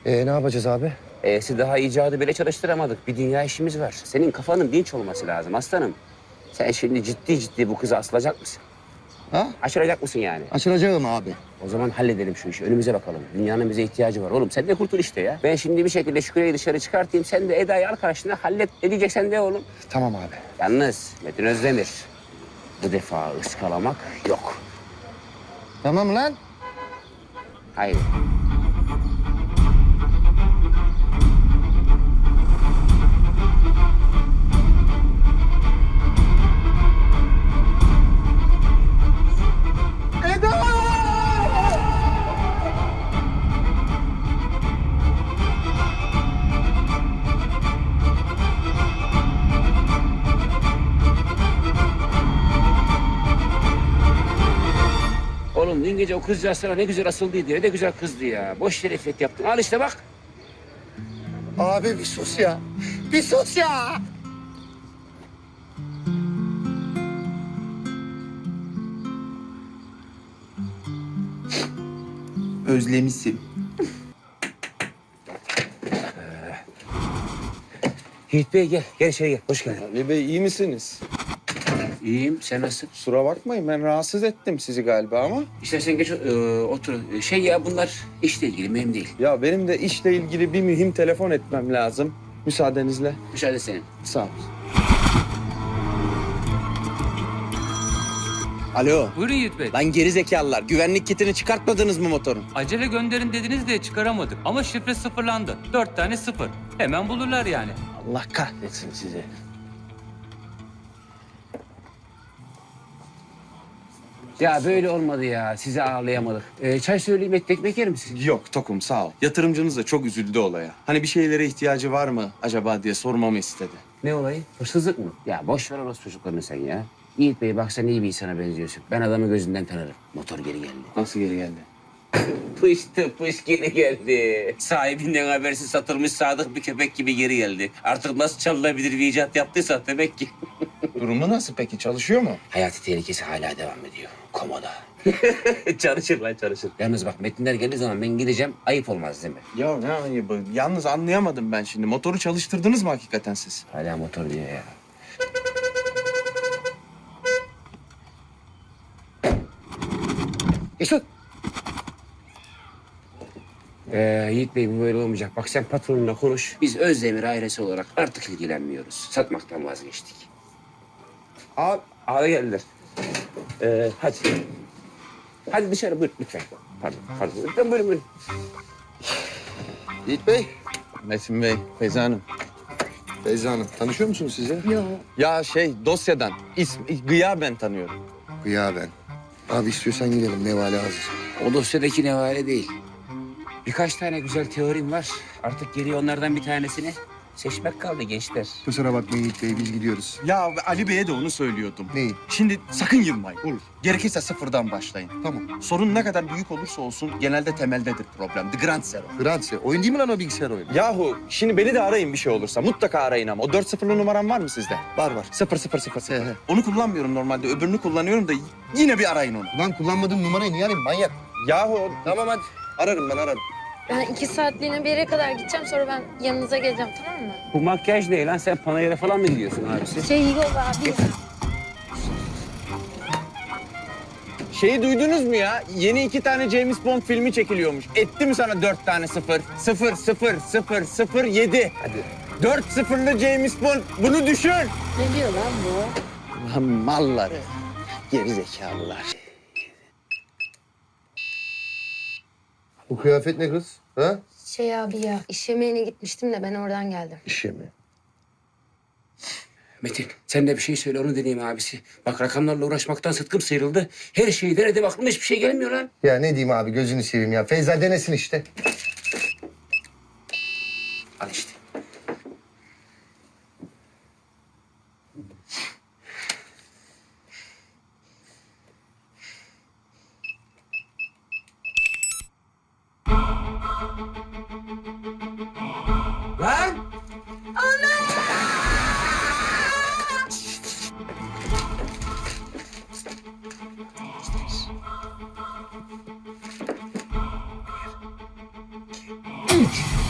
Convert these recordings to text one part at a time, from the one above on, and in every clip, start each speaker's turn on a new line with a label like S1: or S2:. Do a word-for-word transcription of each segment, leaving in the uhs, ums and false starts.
S1: Ee, ne yapacağız abi?
S2: E'si daha icadı bile çalıştıramadık. Bir dünya işimiz var. Senin kafanın dinç olması lazım aslanım. Sen şimdi ciddi ciddi bu kıza asılacak mısın?
S1: Ha?
S2: Aşıracak mısın yani?
S1: Açılacağım abi.
S2: O zaman halledelim şu işi. Önümüze bakalım. Dünyanın bize ihtiyacı var. Oğlum sen de kurtul işte ya. Ben şimdi bir şekilde Şükrü'yü dışarı çıkartayım. Sen de Eda'yı al karşına hallet. Ne diyeceksen de oğlum.
S1: Tamam abi.
S2: Yalnız Metin Özdemir. Bu defa ıskalamak yok.
S1: Tamam lan.
S2: Hayır. Oğlum dün gece o kızcağız sana ne güzel asıldıydı. Ne de güzel kızdı ya. Boş yere iffet yaptın. Al işte bak.
S1: Abi bir sus ya. Bir sus ya.
S3: Özlemişim.
S2: Yiğit Bey gel. Gel içeri gel. Hoş geldin.
S3: Ali Bey iyi misiniz?
S2: İyiyim. Sen nasılsın?
S3: Kusura bakmayın ben rahatsız ettim sizi galiba ama.
S2: İstersen geç e, otur. Şey ya bunlar işle ilgili. Mühim değil.
S3: Ya benim de işle ilgili bir mühim telefon etmem lazım. Müsaadenizle.
S2: Müsaade senin.
S3: Sağ ol. Alo.
S4: Buyurun Yiğit Bey.
S3: Lan geri zekalılar. Güvenlik kitini çıkartmadınız mı motorun?
S4: Acele gönderin dediniz diye çıkaramadık. Ama şifre sıfırlandı. Dört tane sıfır. Hemen bulurlar yani.
S2: Allah kahretsin sizi. Ya böyle olmadı ya. Sizi ağırlayamadık. Ee, çay söyleyeyim, et ekmek yer misin?
S3: Yok Tokum sağ ol. Yatırımcınız da çok üzüldü olaya. Hani bir şeylere ihtiyacı var mı acaba diye sormamı istedi.
S2: Ne olayı? Hırsızlık mı? Ya boş ver orası çocuklarını sen ya. Yiğit Bey bak sen iyi bir insana benziyorsun. Ben adamı gözünden tanırım. Motor geri geldi.
S3: Nasıl geri geldi?
S2: Pıştı pış geri geldi. Sahibinden habersiz satılmış sadık bir köpek gibi geri geldi. Artık nasıl çalınabilir bir icat yaptıysa demek ki.
S3: Durumu nasıl peki? Çalışıyor mu?
S2: Hayati tehlikesi hala devam ediyor. Komoda. çalışır lan çalışır. Yalnız bak metinler geldiği zaman ben gideceğim. Ayıp olmaz değil mi?
S3: Ya ne ayıbı? Yalnız anlayamadım ben şimdi. Motoru çalıştırdınız mı hakikaten siz?
S2: Hala motor diyor ya. Mesut. Ee, Yiğit Bey bu böyle olmayacak. Bak sen patronunla konuş. Biz Özdemir ailesi olarak artık ilgilenmiyoruz. Satmaktan vazgeçtik. Abi, abi geldiler. Ee, hadi. Hadi dışarı buyur lütfen. Pardon, pardon. Lütfen buyurun buyurun.
S1: Yiğit Bey.
S3: Metin Bey, Feyza Hanım.
S1: Feyza Hanım. Tanışıyor musunuz size?
S5: Yok.
S3: Ya şey dosyadan, ism, gıyaben tanıyorum.
S1: Ya ben. Abi istiyorsan gidelim. Nevale hazır.
S2: O dosyadaki nevale değil. Birkaç tane güzel teorim var. Artık geriye onlardan bir tanesini seçmek kaldı gençler.
S1: Kusura bakmayın Yiğit Bey. Biz gidiyoruz.
S3: Ya Ali Bey'e de onu söylüyordum.
S1: Neyi?
S3: Şimdi sakın yılmayın. Olur. Gerekirse sıfırdan başlayın.
S1: Tamam.
S3: Sorun ne kadar büyük olursa olsun genelde temeldedir problem. The Grand Zero.
S1: Granse. Oyun değil mi lan o bilgisayar oyunu?
S3: Yahu şimdi beni de arayın bir şey olursa. Mutlaka arayın ama. O dört sıfırlı numaram var mı sizde?
S1: Var var.
S3: Sıfır sıfır sıfır sıfır.
S1: He, he.
S3: Onu kullanmıyorum normalde. Öbürünü kullanıyorum da yine bir arayın onu.
S1: Lan kullanmadığım numarayı niye arayayım manyak?
S3: Yahu
S1: Tamam hadi. Ararım ben ararım.
S5: Ben iki saatliğine bir yere kadar gideceğim, sonra ben yanınıza geleceğim, tamam mı?
S2: Bu makyaj ne lan? Sen panayıra falan mı gidiyorsun abisi?
S5: Şey yok abi.
S3: şeyi duydunuz mu ya? Yeni iki tane James Bond filmi çekiliyormuş. Etti mi sana dört tane sıfır? Sıfır sıfır sıfır sıfır yedi.
S2: Hadi.
S3: Dört sıfırlı James Bond. Bunu düşün.
S5: Ne diyor lan bu?
S3: Lan malları. Geri zekalılar.
S1: Bu kıyafet ne kız? Ha?
S5: Şey abi ya, iş yemeğine gitmiştim de ben oradan geldim.
S1: İş mi?
S2: Metin sen de bir şey söyle onu deneyeyim abisi. Bak rakamlarla uğraşmaktan sıtkım sıyrıldı. Her şeyi denedim aklıma hiçbir şey gelmiyor lan.
S1: Ya ne diyeyim abi gözünü seveyim ya. Feyza denesin işte.
S2: Al işte. Lan! Ana!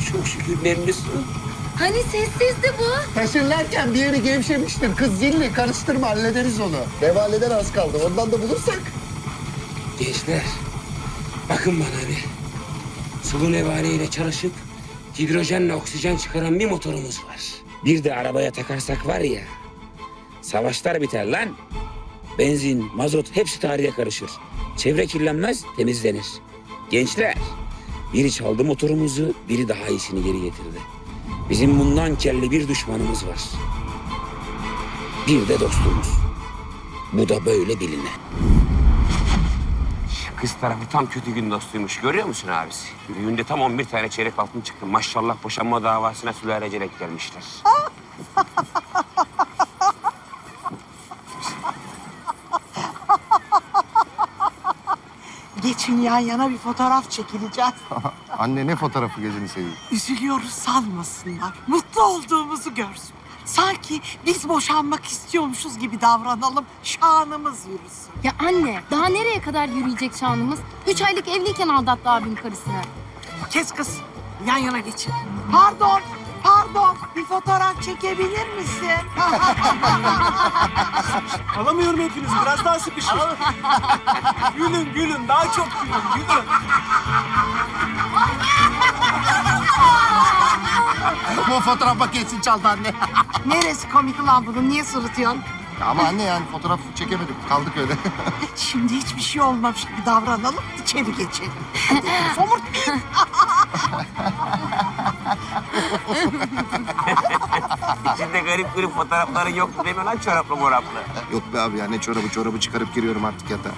S2: çok şükür memnunsun.
S5: Hani sessizdi bu?
S1: Taşırlarken bir yeri gevşemiştir. Kız zilli, karıştırma, hallederiz onu. Devaleden az kaldı. Ondan da bulursak.
S2: Gençler, bakın bana bir. Sulu nevale ile çalışıp hidrojenle oksijen çıkaran bir motorumuz var. Bir de arabaya takarsak var ya, savaşlar biter lan. Benzin, mazot hepsi tarihe karışır. Çevre kirlenmez, temizlenir. Gençler, biri çaldı motorumuzu, biri daha iyisini geri getirdi. Bizim bundan kelli bir düşmanımız var. Bir de dostumuz. Bu da böyle biline. Kız tarafı tam kötü gün dostuymuş. Görüyor musun abisi? Düğünde tam on bir tane çeyrek altın çıktı. Maşallah boşanma davasına sülalecelik gelmişler.
S6: Geçin yan yana bir fotoğraf çekileceğiz.
S1: Anne ne fotoğrafı gözünü seveyim.
S6: Üzülüyoruz sanmasınlar. Mutlu olduğumuzu görsün. Sanki biz boşanmak istiyormuşuz gibi davranalım. Şanımız yürüsün.
S5: Ya anne, daha nereye kadar yürüyecek şanımız? Üç aylık evliyken aldattı abim karısını.
S6: Kes kız. Yan yana geçin. Pardon. Pardon. Bir fotoğraf çekebilir misin?
S7: Alamıyorum hepinizi. Biraz daha sıkışın. Gülün gülün. Daha çok gülün. Gülün.
S1: Bu fotoğraf makinesini çaldı anne.
S6: Neresi komik ulan bunun? Niye sırıtıyorsun?
S1: Ama anne yani fotoğraf çekemedim. Kaldık öyle.
S6: Şimdi hiçbir şey olmamış gibi davranalım. İçeri geçelim. Hadi somurtmayın.
S2: İçinde garip garip fotoğrafların yoktu değil mi lan çoraplı moraplı?
S1: Yok be abi ya ne çorabı çorabı çıkarıp giriyorum artık yatağa.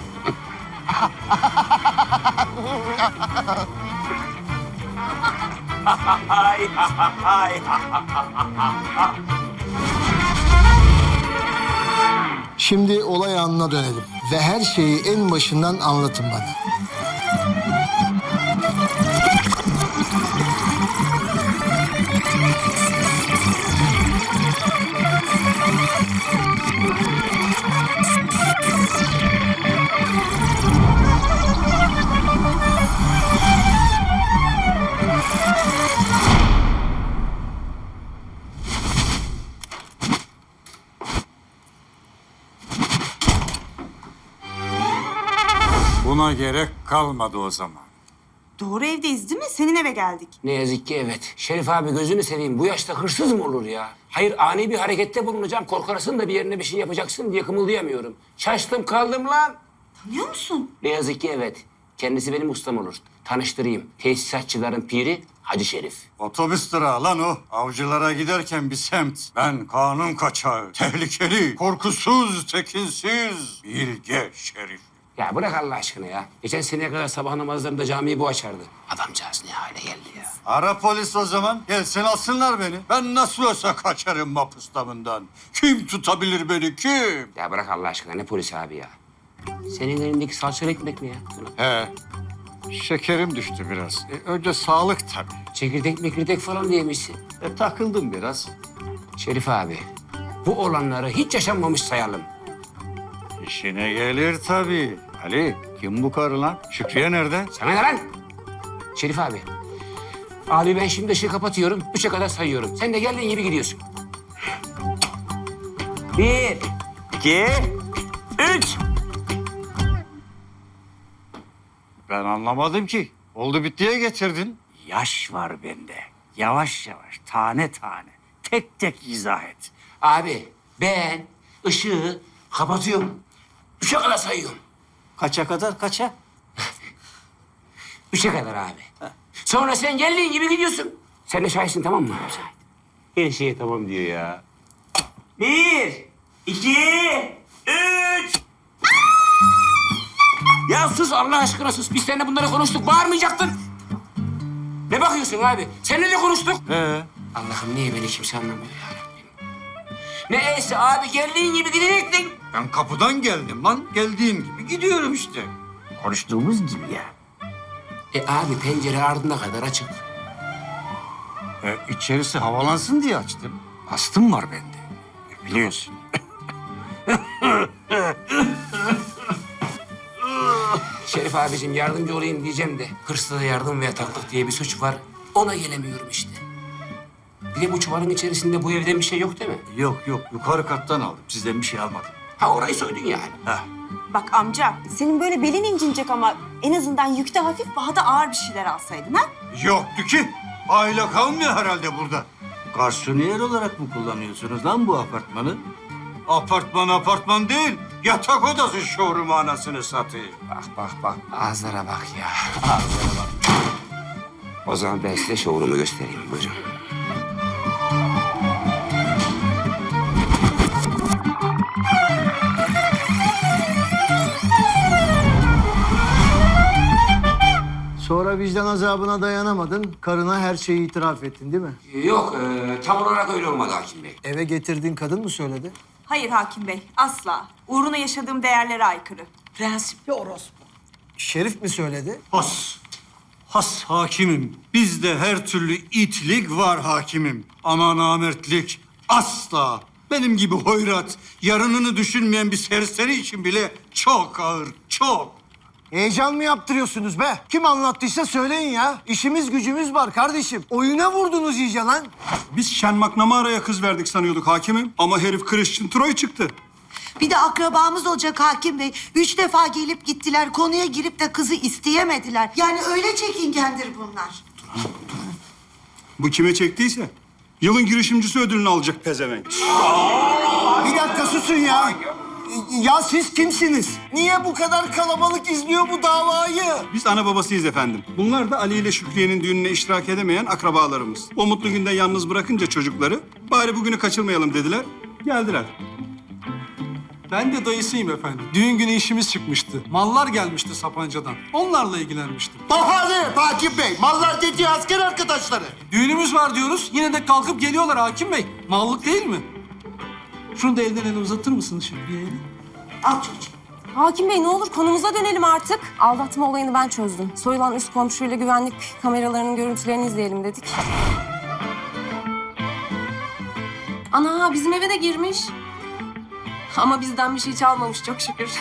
S2: Ay, ay.
S8: Şimdi olay anına dönelim ve her şeyi en başından anlatın bana.
S9: Buna gerek kalmadı o zaman.
S10: Doğru evdeyiz değil mi? Senin eve geldik.
S2: Ne yazık ki evet. Şerif abi gözünü seveyim. Bu yaşta hırsız mı olur ya? Hayır ani bir harekette bulunacağım. Korkarsın da bir yerine bir şey yapacaksın diye kımıldayamıyorum. Şaştım kaldım lan.
S10: Tanıyor musun?
S2: Ne yazık ki evet. Kendisi benim ustam olur. Tanıştırayım. Tesisatçıların piri Hacı Şerif.
S9: Otobüs durağı lan o. Avcılara giderken bir semt. Ben kanun kaçağı, tehlikeli, korkusuz, tekinsiz, bilge Şerif.
S2: Ya bırak Allah aşkına ya. Geçen seneye kadar sabah namazlarında camiyi bu açardı. Adamcağız ne hale geldi ya.
S9: Ara polis o zaman. Gelsin alsınlar beni. Ben nasıl olsa kaçarım mapustamından. Kim tutabilir beni kim?
S2: Ya bırak Allah aşkına ne polisi abi ya. Senin elindeki salçalı ekmek mi ya?
S9: He. Şekerim düştü biraz. E, önce sağlık tabii.
S2: Çekirdek mekirdek falan diyemişsin.
S9: E, takıldım biraz.
S2: Şerif abi, bu olanları hiç yaşanmamış sayalım.
S9: İşine gelir tabii. Ali, kim bu karı lan? Şükriye nerede?
S2: Sana ne lan? Şerif abi. Abi ben şimdi ışığı kapatıyorum. Üçe kadar sayıyorum. Sen de geldiğin gibi gidiyorsun. Bir, iki, üç.
S9: Ben anlamadım ki. Oldu bittiye getirdin. Yaş var bende. Yavaş yavaş, tane tane. Tek tek izah et.
S2: Abi ben ışığı kapatıyorum. Üçe kadar sayıyorum.
S9: Kaça kadar, kaça?
S2: Üçe kadar abi. Sonra sen geldiğin gibi gidiyorsun. Sen de şahitsin tamam mı? Her şeye tamam diyor ya. Bir, iki, üç. Ya sus Allah aşkına sus. Biz seninle bunları konuştuk. Bağırmayacaktın. Ne bakıyorsun abi? Seninle de konuştuk.
S9: Ee?
S2: Allah'ım niye beni kimse anlamıyor ya Rabbim. Neyse abi geldiğin gibi gidecektin.
S9: Ben kapıdan geldim lan. Geldiğim gibi gidiyorum işte.
S2: Konuştuğumuz gibi ya. E abi pencere ardına kadar açık.
S9: E, içerisi havalansın diye açtım. Astım var bende. E, biliyorsun.
S2: Şerif abicim yardımcı olayım diyeceğim de hırsıza yardım ve yataklık diye bir suç var. Ona gelemiyorum işte. Bir de bu çuvalın içerisinde bu evden bir şey yok değil mi?
S9: Yok yok yukarı kattan aldım. Sizden bir şey almadım.
S2: Ha orayı soydun yani.
S9: Heh.
S10: Bak amca, senin böyle belin incinecek ama en azından yükte hafif, daha da ağır bir şeyler alsaydın ha?
S9: Yoktu ki. Aile kalmıyor herhalde burada. Garsoniyer olarak mı kullanıyorsunuz lan bu apartmanı? Apartman apartman değil. Yatak odası showroom anasını satayım.
S2: Bak bak bak. Ağızlara bak ya. Ağızlara bak. O zaman ben size showroom'u göstereyim. Buyurun.
S8: Sonra vicdan azabına dayanamadın. Karına her şeyi itiraf ettin değil mi?
S2: Yok, e, tam olarak öyle olmadı hakim bey.
S8: Eve getirdiğin kadın mı söyledi?
S10: Hayır hakim bey, asla. Uğruna yaşadığım değerlere aykırı.
S6: Prensipli orospu.
S8: Şerif mi söyledi?
S9: Has. Has hakimim. Bizde her türlü itlik var hakimim. Ama namertlik asla. Benim gibi hoyrat, yarınını düşünmeyen bir serseri için bile çok ağır, çok.
S8: Heyecan mı yaptırıyorsunuz be? Kim anlattıysa söyleyin ya. İşimiz gücümüz var kardeşim. Oyuna vurdunuz iyice lan.
S11: Biz Şen McNamara'ya kız verdik sanıyorduk hakimim. Ama herif Christian Troy çıktı.
S6: Bir de akrabamız olacak hakim bey. Üç defa gelip gittiler. Konuya girip de kızı isteyemediler. Yani öyle çekingendir bunlar.
S11: Bu kime çektiyse yılın girişimcisi ödülünü alacak pezevenk.
S8: Bir dakika susun ya. Ya siz kimsiniz? Niye bu kadar kalabalık izliyor bu davayı?
S11: Biz ana babasıyız efendim. Bunlar da Ali ile Şükriye'nin düğününe iştirak edemeyen akrabalarımız. O mutlu günde yalnız bırakınca çocukları bari bugünü kaçırmayalım dediler. Geldiler.
S7: Ben de dayısıyım efendim. Düğün günü işimiz çıkmıştı. Mallar gelmişti Sapanca'dan. Onlarla ilgilenmiştim.
S1: Bahane Hakim Bey. Mallar dediği asker arkadaşları.
S7: Düğünümüz var diyoruz. Yine de kalkıp geliyorlar hakim bey. Mallık değil mi? Şunu da elden ele uzatır mısınız Şükriye'ye?
S6: Al çocuğum.
S12: Hakim Bey ne olur konumuza dönelim artık. Aldatma olayını ben çözdüm. Soyulan üst komşuyla güvenlik kameralarının görüntülerini izleyelim dedik. Ana bizim eve de girmiş. Ama bizden bir şey çalmamış çok şükür.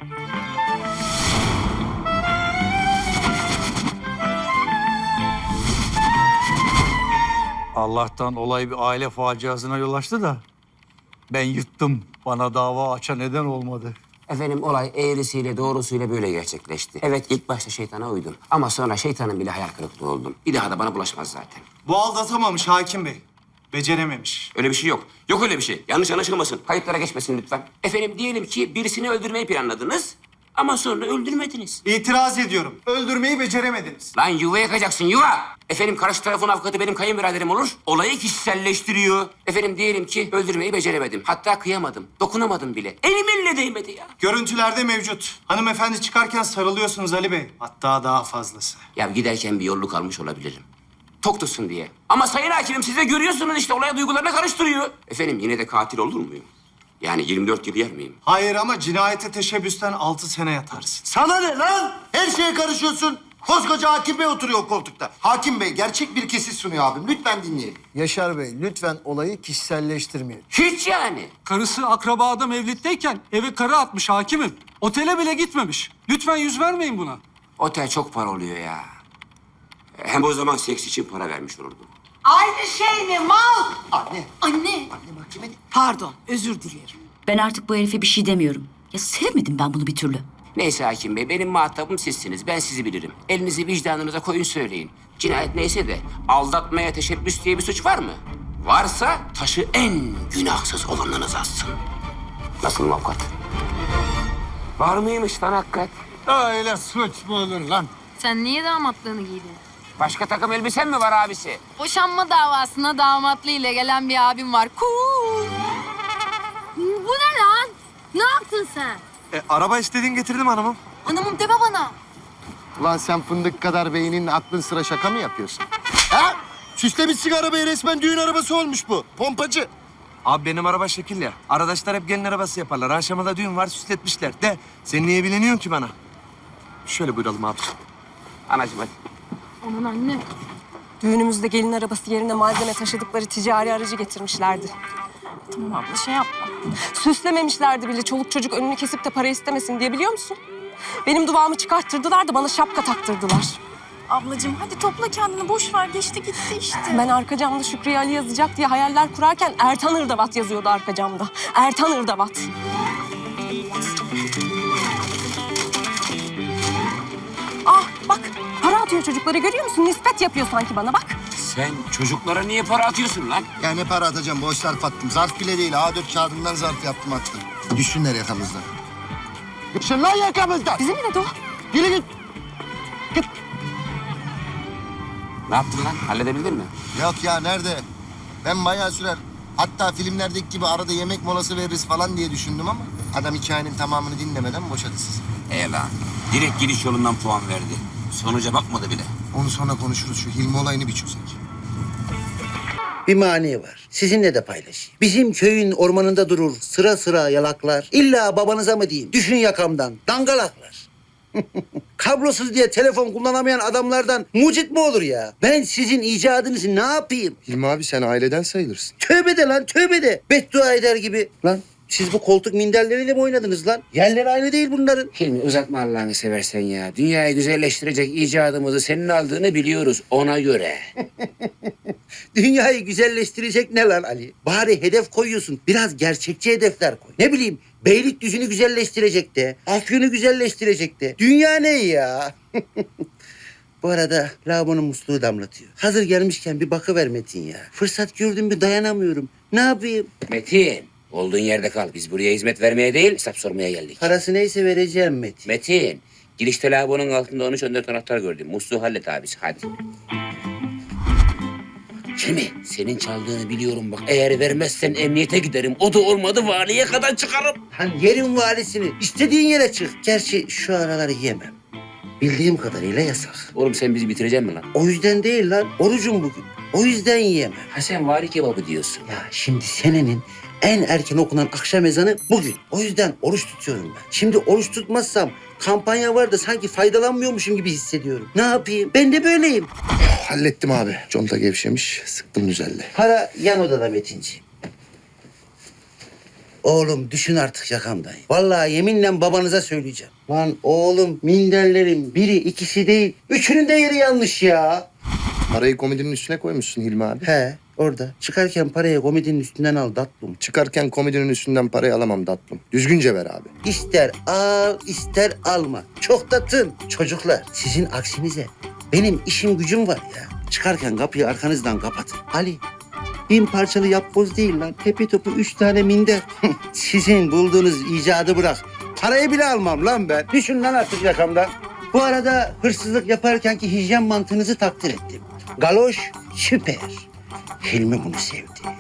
S9: Allah'tan olay bir aile faciasına yol açtı da ben yırttım. Bana dava açan neden olmadı.
S2: Efendim olay eğrisiyle doğrusuyla böyle gerçekleşti. Evet ilk başta şeytana uydum. Ama sonra şeytanın bile hayal kırıklığı oldum. Bir daha da bana bulaşmaz zaten.
S7: Bu aldatamamış hakim bey. Becerememiş.
S2: Öyle bir şey yok. Yok öyle bir şey. Yanlış anlaşılmasın. Kayıtlara geçmesin lütfen. Efendim diyelim ki birisini öldürmeyi planladınız. Ama sonra öldürmediniz.
S7: İtiraz ediyorum. Öldürmeyi beceremediniz.
S2: Lan yuva yakacaksın yuva. Efendim karşı tarafın avukatı benim kayınbiraderim olur. Olayı kişiselleştiriyor. Efendim diyelim ki öldürmeyi beceremedim. Hatta kıyamadım. Dokunamadım bile. Eliminle değmedi ya.
S7: Görüntülerde mevcut. Hanımefendi çıkarken sarılıyorsunuz Ali Bey. Hatta daha fazlası.
S2: Ya giderken bir yolluk almış olabilirim. Tok tutsun diye. Ama sayın hakimim siz de görüyorsunuz işte olaya duygularını karıştırıyor. Efendim yine de katil olur muyum? Yani yirmi dört yıl yer miyim?
S7: Hayır ama cinayete teşebbüsten altı sene yatarsın.
S1: Sana ne lan? Her şeye karışıyorsun. Koskoca Hakim Bey oturuyor koltukta. Hakim Bey gerçek bir kesit sunuyor abim. Lütfen dinleyelim.
S8: Yaşar Bey lütfen olayı kişiselleştirmeyin.
S2: Hiç yani.
S7: Karısı akraba adam evlitteyken eve karı atmış hakimim. Otele bile gitmemiş. Lütfen yüz vermeyin buna.
S2: Otel çok para oluyor ya. Hem o zaman seks için para vermiş olurdum.
S6: Aynı şey mi mal?
S1: Anne.
S5: Anne.
S1: Anne mahkemede.
S6: Pardon özür dilerim.
S10: Ben artık bu herife bir şey demiyorum. Ya sevmedim ben bunu bir türlü.
S2: Neyse hakim bey benim muhatabım sizsiniz. Ben sizi bilirim. Elinizi vicdanınıza koyun söyleyin. Cinayet neyse de aldatmaya teşebbüs diye bir suç var mı? Varsa taşı en günahsız olanınız assın. Nasıl avukat? Var mıymış lan hakikat?
S9: Öyle suç mu olur lan?
S5: Sen niye damatlığını giydin?
S2: Başka takım elbisen mi var abisi?
S5: Boşanma davasına damatlı ile gelen bir abim var. Cool. Bu ne lan? Ne yaptın sen?
S7: E, araba istediğin getirdim hanımım.
S5: Hanımım deme bana.
S1: Ulan sen fındık kadar beynin aklın sıra şaka mı yapıyorsun? Ha? Süslemişsin arabayı resmen düğün arabası olmuş bu. Pompacı.
S7: Abi benim araba şekil ya. Arkadaşlar hep gelin arabası yaparlar. Akşama düğün var süsletmişler. De sen niye bileniyorsun ki bana? Şöyle buyuralım abi.
S2: Anacığım hadi.
S5: Aman anne.
S12: Düğünümüzde gelin arabası yerine malzeme taşıdıkları ticari aracı getirmişlerdi.
S10: Tamam abla şey yapma.
S12: Süslememişlerdi bile çoluk çocuk önünü kesip de para istemesin diye biliyor musun? Benim duvağımı çıkarttırdılar da bana şapka taktırdılar.
S10: Ablacığım hadi topla kendini, boş ver, geçti gitti işte.
S12: Ben arka camda Şükriye Ali yazacak diye hayaller kurarken Ertan Irdavat yazıyordu arka camda. Ertan Irdavat. Ah bak, para atıyor çocuklara, görüyor musun? Nispet yapıyor sanki bana, bak.
S2: Sen çocuklara niye para atıyorsun lan?
S1: Ya ne para atacağım? Boş zarf attım. Zarf bile değil. A dört kağıdından zarf yaptım attım. Düşsünler yakamızdan. Düşsün lan yakamızdan.
S12: Bize ne dedi o?
S1: Yürü git. Git.
S2: Ne yaptın lan? Halledebildin mi?
S1: Yok ya nerede? Ben bayağı sürer. Hatta filmlerdeki gibi arada yemek molası veririz falan diye düşündüm ama adam hikayenin tamamını dinlemeden boşadı sizi.
S2: E lan. Direkt giriş yolundan puan verdi. Sonuca bakmadı bile.
S1: Onu sonra konuşuruz. Şu Hilmi olayını bir çözek.
S8: Bir mani var. Sizinle de paylaşayım. Bizim köyün ormanında durur sıra sıra yalaklar. İlla babanıza mı diyeyim? Düşün yakamdan. Dangalaklar. Kablosuz diye telefon kullanamayan adamlardan mucit mi olur ya? Ben sizin icadınızı ne yapayım?
S1: Hilmi abi sen aileden sayılırsın.
S8: Tövbe de lan tövbe de. Beddua eder gibi. Lan siz bu koltuk minderleriyle mi oynadınız lan? Yerleri aynı değil bunların.
S2: Hilmi uzatma Allah'ını seversen ya. Dünyayı güzelleştirecek icadımızı senin aldığını biliyoruz ona göre.
S8: Dünyayı güzelleştirecek ne lan Ali? Bari hedef koyuyorsun. Biraz gerçekçi hedefler koy. Ne bileyim Beylikdüzü'nü güzelleştirecek de. Afyon'u güzelleştirecek de. Dünya ne ya? Bu arada lavabonun musluğu damlatıyor. Hazır gelmişken bir bakıver Metin ya. Fırsat gördüm mü dayanamıyorum. Ne yapayım?
S2: Metin, olduğun yerde kal. Biz buraya hizmet vermeye değil, hesap sormaya geldik.
S8: Parası neyse vereceğim Metin.
S2: Metin, girişte lavabonun altında on üç on dört anahtar gördüm. Musluğu hallet abisi, hadi. Kimi? Senin çaldığını biliyorum bak. Eğer vermezsen emniyete giderim. O da olmadı valiye kadar çıkarım.
S8: Lan yerin valisini. İstediğin yere çık. Gerçi şu araları yemem. Bildiğim kadarıyla yasak.
S2: Oğlum sen bizi bitireceksin mi lan?
S8: O yüzden değil lan. Orucum bugün. O yüzden yiyemem.
S2: Ha sen vari kebabı diyorsun.
S8: Ya şimdi senenin en erken okunan akşam ezanı bugün. O yüzden oruç tutuyorum ben. Şimdi oruç tutmazsam kampanya var da sanki faydalanmıyormuşum gibi hissediyorum. Ne yapayım? Ben de böyleyim.
S1: Hallettim abi. Conta gevşemiş. Sıktım düzeldi.
S8: Para yan odada Metinciğim. Oğlum düşün artık yakamdan. Vallahi yeminle babanıza söyleyeceğim. Lan oğlum minderlerin biri ikisi değil. Üçünün de yeri yanlış ya.
S1: Parayı komedinin üstüne koymuşsun Hilmi abi.
S8: He orada. Çıkarken parayı komedinin üstünden al tatlım.
S1: Çıkarken komedinin üstünden parayı alamam tatlım. Düzgünce ver abi.
S8: İster al ister alma. Çok da tın. Çocuklar sizin aksinize benim işim gücüm var ya. Çıkarken kapıyı arkanızdan kapatın. Ali bin parçalı yapboz değil lan. Tepe topu üç tane minder. Sizin bulduğunuz icadı bırak. Parayı bile almam lan ben. Düşün lan artık yakamdan. Bu arada hırsızlık yaparkenki hijyen mantığınızı takdir ettim. Galoş süper. Hilmi bunu sevdi.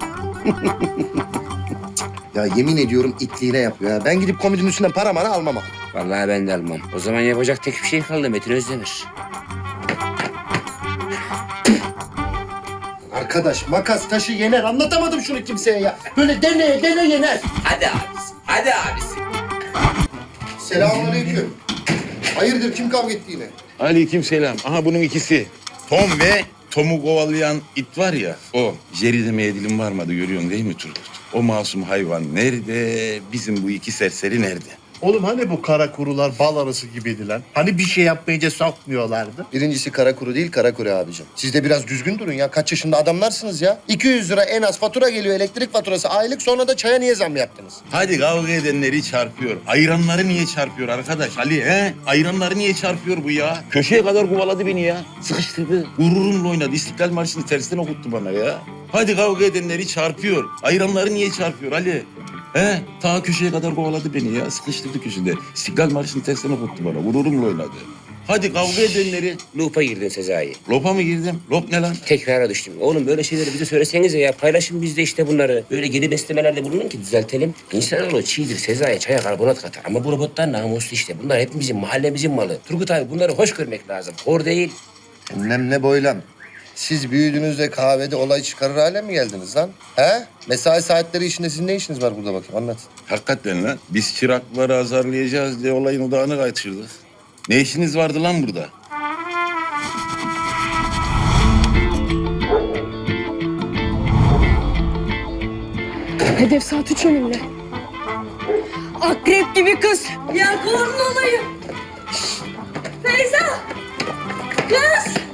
S1: Ya yemin ediyorum itliğine yapıyor ya. Ben gidip komedinin üstünden para mara almam abi.
S2: Vallahi ben de almam. O zaman yapacak tek bir şey kaldı Metin Özdemir.
S1: Arkadaş makas taşı yener. Anlatamadım şunu kimseye ya. Böyle deneye dene yener.
S2: Hadi abisi, hadi abisi.
S1: Selamünaleyküm. Hayırdır kim kavga etti yine?
S13: Aleykümselam. Aha bunun ikisi. Tom ve Tom'u kovalayan it var ya o. Jerry demeye dilim varmadı görüyorsun değil mi Turgut? O masum hayvan nerede? Bizim bu iki serseri nerede?
S8: Oğlum hani bu kara kurular bal arısı gibiydi lan? Hani bir şey yapmayınca sokmuyorlardı?
S1: Birincisi kara kuru değil kara kuru abicim. Siz de biraz düzgün durun ya. Kaç yaşında adamlarsınız ya. iki yüz lira en az fatura geliyor elektrik faturası aylık. Sonra da çaya niye zam yaptınız?
S13: Hadi kavga edenleri çarpıyor. Ayranları niye çarpıyor arkadaş Ali he? Ayranları niye çarpıyor bu ya? Köşeye kadar kovaladı beni ya. Sıkıştırdı. Gururumla oynadı. İstiklal Marşı'nı tersten okuttu bana ya. Hadi kavga edenleri çarpıyor. Ayranları niye çarpıyor Ali? He? Ta köşeye kadar kovaladı beni ya. Sıkıştırdı köşede. İstiklal Marşı'nı tersten okuttu bana. Gururumla oynadı. Hadi kavga edenleri...
S2: Loop'a girdin Sezai.
S13: Lopa mı girdim? Lop ne lan?
S2: Tekrara düştüm. Oğlum böyle şeyleri bize söylesenize ya. Paylaşın biz de işte bunları. Böyle geri beslemelerde bulunun ki düzeltelim. İnsanoğlu çiğdir Sezai. Çaya karbonat katar. Ama bu robotlar namuslu işte. Bunlar hepimizin, mahallemizin malı. Turgut abi bunları hoş görmek lazım. Hor değil.
S1: Emlem ne boylam. Siz büyüdüğünüzde kahvede olay çıkarır hale mi geldiniz lan? He? Mesai saatleri işinde sizin ne işiniz var burada bakayım anlat.
S13: Hakikaten lan. Biz çırakları azarlayacağız diye olayın odağını kaçırdık. Ne işiniz vardı lan burada?
S12: Hedef saat üç önümde. Akrep gibi kız. Ya korun olayım. Feyza. Kız.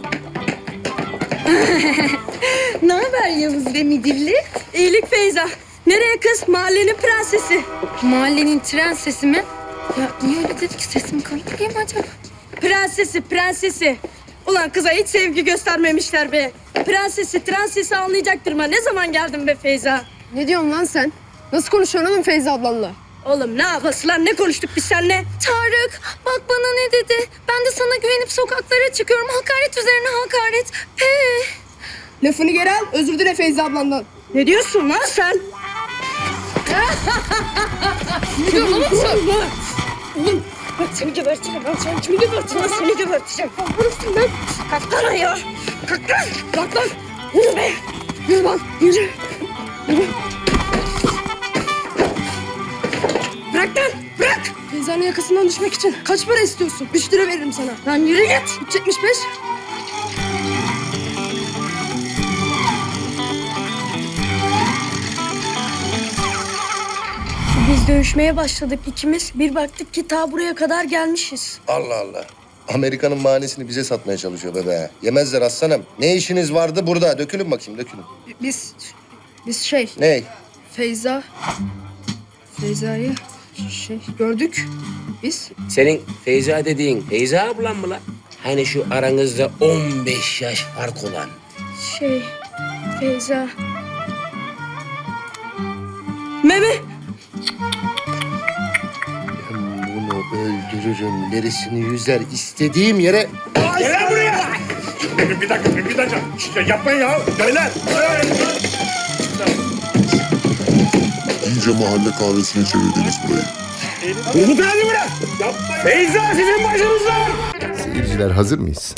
S12: Ne haber Yavuz ve Midilli? İyilik Feyza. Nereye kız? Mahallenin prensesi.
S5: Mahallenin tren sesi mi? Ya niye öyle dedik? Sesim kalın değil mi acaba?
S12: Prensesi, prensesi. Ulan kıza hiç sevgi göstermemişler be. Prensesi, transesi anlayacaktır mı? Ne zaman geldin be Feyza?
S5: Ne diyorsun lan sen? Nasıl konuşuyorsun oğlum Feyza ablanla?
S12: Oğlum ne yapası lan? Ne konuştuk biz seninle?
S5: Tarık bak bana ne dedi? Ben de sana güvenip sokaklara çıkıyorum. Hakaret üzerine hakaret. He.
S12: Lafını geri al, özür dile Feyza ablandan. Ne diyorsun lan sen?
S5: Ne diyorsun oğlum sen?
S12: Oğlum bak seni geberteceğim ben seni kimi geberteceğim ben seni geberteceğim. Vurursun lan. Kalk lan ayağa. Kalk lan. Kalk lan. Yürü be. Yürü lan yürü. Yürü. Bırak lan bırak. Feyza'nın yakasından düşmek için kaç para istiyorsun? Üç lira veririm sana. Lan yürü git. Üç yetmiş beş. Biz dövüşmeye başladık ikimiz. Bir baktık ki ta buraya kadar gelmişiz.
S1: Allah Allah. Amerika'nın mahanesini bize satmaya çalışıyor bebe. Yemezler aslanım. Ne işiniz vardı burada? Dökülün bakayım, dökülün.
S12: Biz, biz şey,
S1: Ney?
S12: Feyza, Feyza'yı şey gördük biz.
S2: Senin Feyza dediğin Feyza ablan mı lan? Hani şu aranızda on beş yaş fark olan.
S12: Şey, Feyza. Meme.
S1: Ben bunu öldürürüm. Derisini yüzer. istediğim yere...
S13: Gel buraya! Bir dakika, bir dakika. Yapmayın ya. Beyler.
S14: İyice mahalle kahvesine çevirdiniz burayı.
S13: Umut hadi bırak. Feyza sizin başınızda.
S1: Seyirciler hazır mıyız?